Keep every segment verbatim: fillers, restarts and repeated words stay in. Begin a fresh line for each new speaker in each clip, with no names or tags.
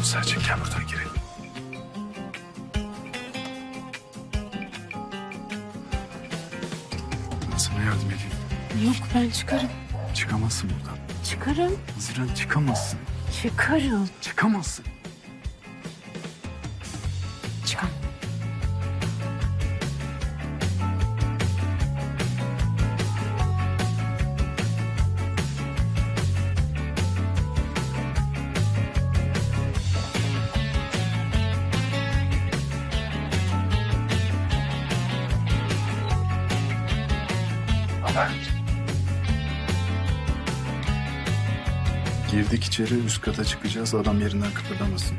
Selçuk gel buradan girelim. Ben sana yardım edeyim.
Yok ben çıkarım.
Çıkamazsın buradan.
Çıkarım.
Haziran çıkamazsın.
Çıkarım.
Çıkamazsın.
Çıkam.
Girdik içeri, üst kata çıkacağız. Adam yerinden kıpırdamasın.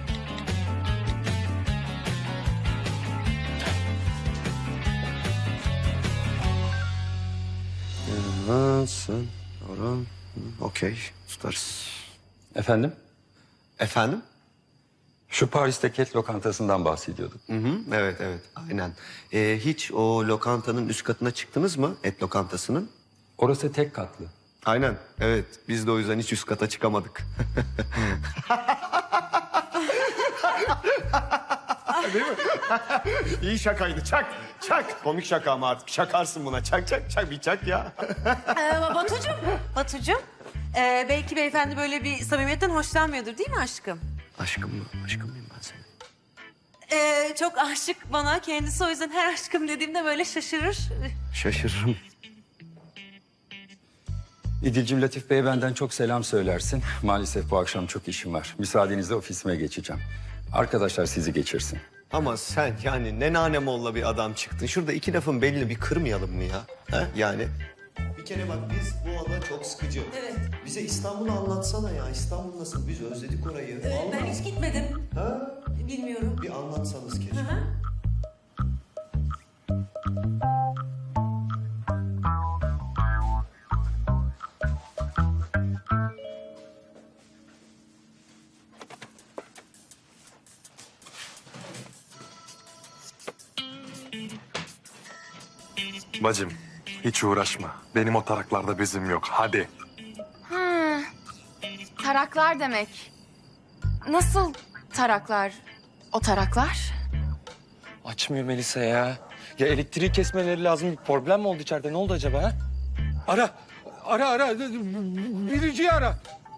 Evet, sen, Orhan. Okey, tutarız.
Efendim?
Efendim?
Şu Paris'teki et lokantasından bahsediyorduk.
Hı hı, evet, evet, aynen. Ee, hiç o lokantanın üst katına çıktınız mı, et lokantasının?
Orası tek katlı.
Aynen, evet. Biz de o yüzden hiç üst kata çıkamadık. Değil mi? İyi şakaydı, çak, çak. Komik şaka ama artık şakarsın buna. Çak, çak, çak, bir çak ya.
Ee, Batucuğum, Batucuğum. Ee, belki beyefendi böyle bir samimiyetten hoşlanmıyordur değil mi aşkım?
Aşkım mı? Aşkım mıyım ben senin?
Ee, çok aşık bana kendisi, o yüzden her aşkım dediğimde böyle şaşırır.
Şaşırırım.
İdil'cim Latif Bey'e benden çok selam söylersin. Maalesef bu akşam çok işim var. Müsaadenizle ofisime geçeceğim. Arkadaşlar sizi geçirsin.
Ama sen yani ne nanemolla bir adam çıktın. Şurada iki lafın belini bir kırmayalım mı ya? Ha? Yani. Bir kere bak biz bu ada çok sıkıcı.
Evet.
Bize İstanbul'u anlatsana ya. İstanbul nasıl? Biz özledik orayı.
Ee, ben
Vallahi.
hiç gitmedim.
Ha?
Bilmiyorum.
Bir anlatsanız keşke.
Hı hı.
Bacım, hiç uğraşma. Benim o taraklarda bezim yok. Hadi.
Ha, taraklar demek. Nasıl taraklar? O taraklar?
Açmıyor Melisa ya. Ya elektriği kesmeleri lazım. Bir problem mi oldu içeride? Ne oldu acaba ha? Ara. Ara ara. Biriciyi ara.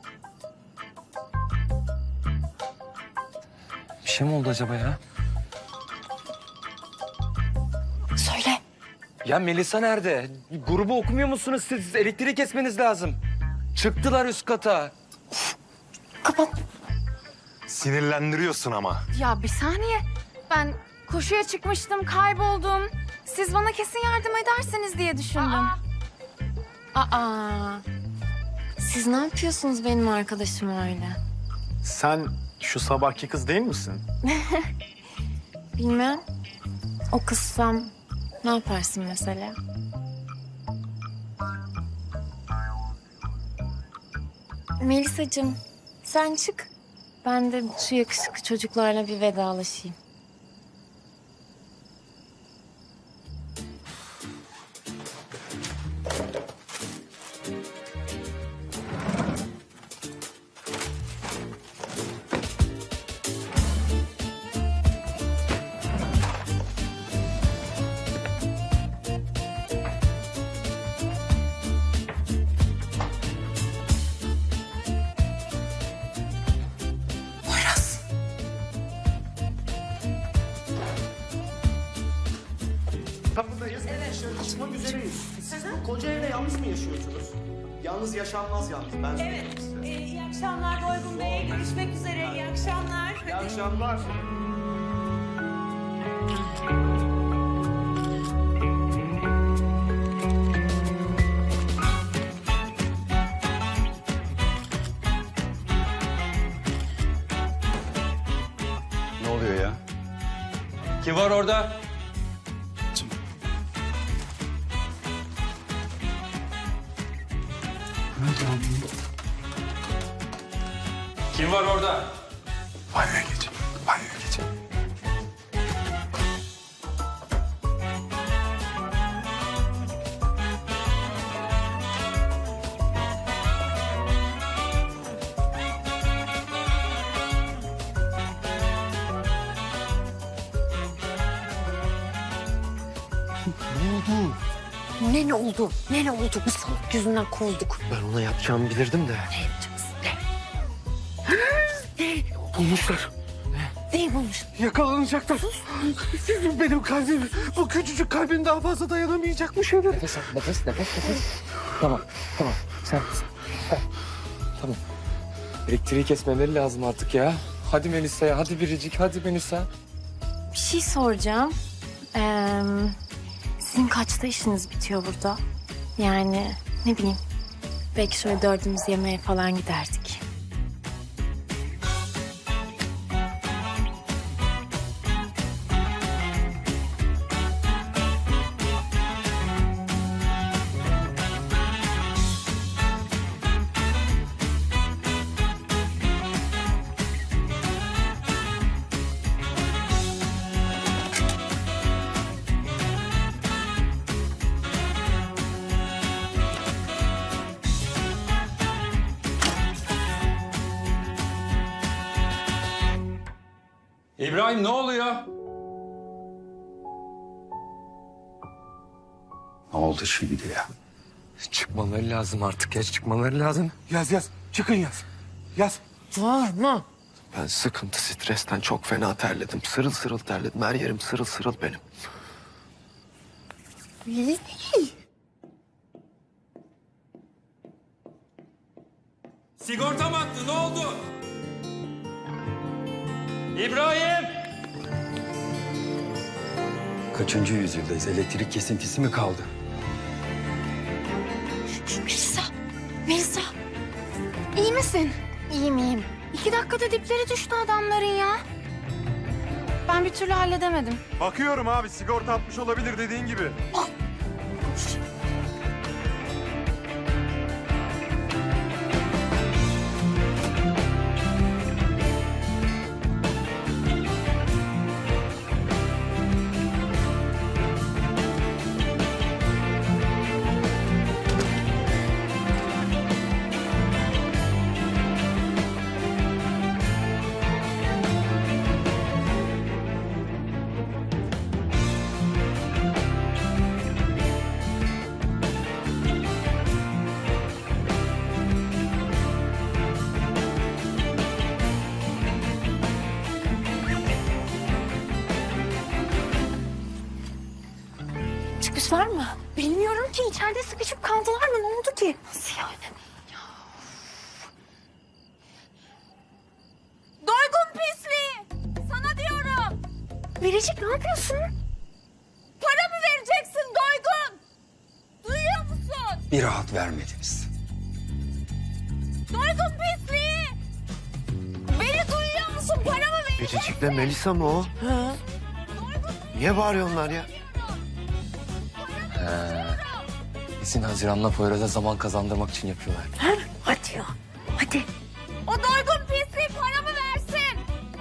Bir şey mi oldu acaba ya?
Söyle.
Ya Melisa nerede? Grubu okumuyor musunuz siz? Elektriği kesmeniz lazım. Çıktılar üst kata.
Kapat.
Sinirlendiriyorsun ama.
Ya bir saniye. Ben koşuya çıkmıştım, kayboldum. Siz bana kesin yardım edersiniz diye düşündüm. Aa. Aa. Siz ne yapıyorsunuz benim arkadaşım öyle?
Sen şu sabahki kız değil misin?
Bilmem. O kızsam ne yaparsın mesela? Melisacığım sen çık. Ben de şu yakışıklı çocuklarla bir vedalaşayım.
Kapıdayız. Evet. Dışarı çıkmak üzereyiz. Siz bu koca evde yalnız mı yaşıyorsunuz? Yalnız yaşanmaz yalnız. Ben söyleyeyim
Evet.
size.
Ee, iyi akşamlar Doygun Bey. Görüşmek üzere. İyi akşamlar.
İyi
Hadi.
akşamlar.
Ne oluyor ya?
Kim var orada? Kim var orada?
Banyoya geç. Banyoya geç.
Ne ne oldu? Ne ne oldu? Bu salak yüzünden kovulduk.
Ben ona yapacağımı bilirdim de.
Ne yapacaksın? Ne?
Bulmuşlar.
Neyi bulmuş?
Yakalanacaklar. Benim kalbim, bu küçücük kalbin daha fazla dayanamayacak bu şeyler.
Nefes al, nefes, nefes, nefes. Tamam, tamam. Sen, sen. Tamam. Elektriği kesmeleri lazım artık ya. Hadi Melisa ya, hadi Biricik, hadi Melisa.
Bir şey soracağım. Ee, sizin kaçta işiniz bitiyor burada? Yani ne bileyim. Belki şöyle dördümüz yemeğe falan giderdik.
İbrahim ne oluyor? Ne oldu şimdi ya?
Çıkmaları lazım artık ya, çıkmaları lazım.
Yaz yaz, çıkın yaz. Yaz.
Var mı?
Ben sıkıntı, stresten çok fena terledim. Sırıl sırıl terledim. Her yerim sırıl sırıl benim.
Sigorta battı, ne oldu? İbrahim! Kaçıncı yüzyıldayız? Elektrik kesintisi mi kaldı?
Melisa, Melisa. İyi misin? İyiyim, iyiyim. İki dakikada dipleri düştü adamların ya. Ben bir türlü halledemedim.
Bakıyorum abi, sigorta atmış olabilir dediğin gibi.
Çıkmışlar mı? Bilmiyorum ki. İçeride sıkışıp kaldılar mı? Ne oldu ki? Nasıl yani?
Doygun pisliği! Sana diyorum!
Biricik ne yapıyorsun?
Paramı vereceksin Doygun! Duyuyor musun?
Bir rahat vermediniz.
Doygun pisliği! Beni duyuyor musun? Paramı vereceksin!
Biricik'le Melisa mı o?
Ha?
Niye bağırıyorlar ya?
Kesin Haziran'la Poyraz'a zaman kazandırmak için yapıyorlar.
Hadi ya. Hadi.
O doygun pisliği paramı versin!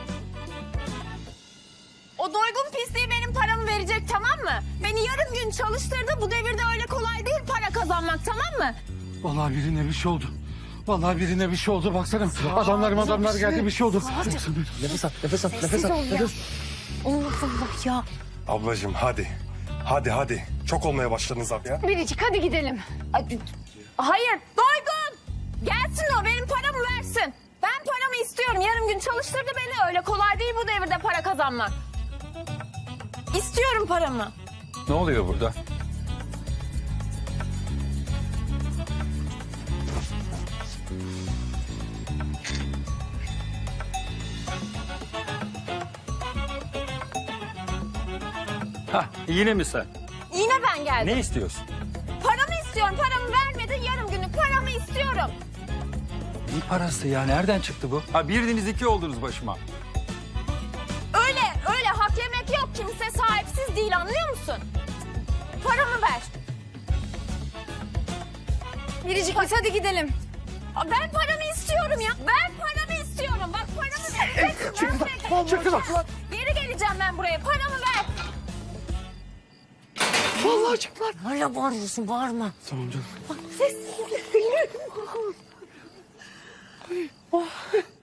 O doygun pisliği benim paramı verecek, tamam mı? Beni yarım gün çalıştırdı. Bu devirde öyle kolay değil para kazanmak, tamam mı?
Vallahi birine bir şey oldu. Vallahi birine bir şey oldu. Baksana adamlarım adamlar geldi, bir şey oldu.
Nefes al, nefes al, nefes al. Nefes.
Allah Allah ya.
Ablacığım hadi. Hadi hadi. Çok olmaya başladınız abi ya.
Biricik hadi gidelim.
Hayır, doygun! Gelsin o, benim paramı versin. Ben paramı istiyorum. Yarım gün çalıştırdı beni. Öyle kolay değil bu devirde para kazanmak. İstiyorum paramı.
Ne oluyor burada? Ha, yine mi sen?
Yine ben geldim.
Ne istiyorsun?
Paramı istiyorum. Paramı vermedin, yarım günlük paramı istiyorum.
Ne parası ya? Nereden çıktı bu? Ha birdiniz iki oldunuz başıma.
Öyle, öyle hak yemek yok. Kimse sahipsiz değil, anlıyor musun? Paramı ver.
Biricik biz hadi gidelim.
Aa, Ben paramı istiyorum ya. Ben paramı istiyorum. Bak paramı vereceksin.
Çıkın lan.
Geri geleceğim ben buraya. Paramı ver.
Vallahi çıktılar. Hala bağırıyorsun, bağırma.
Tamam canım.
Ses.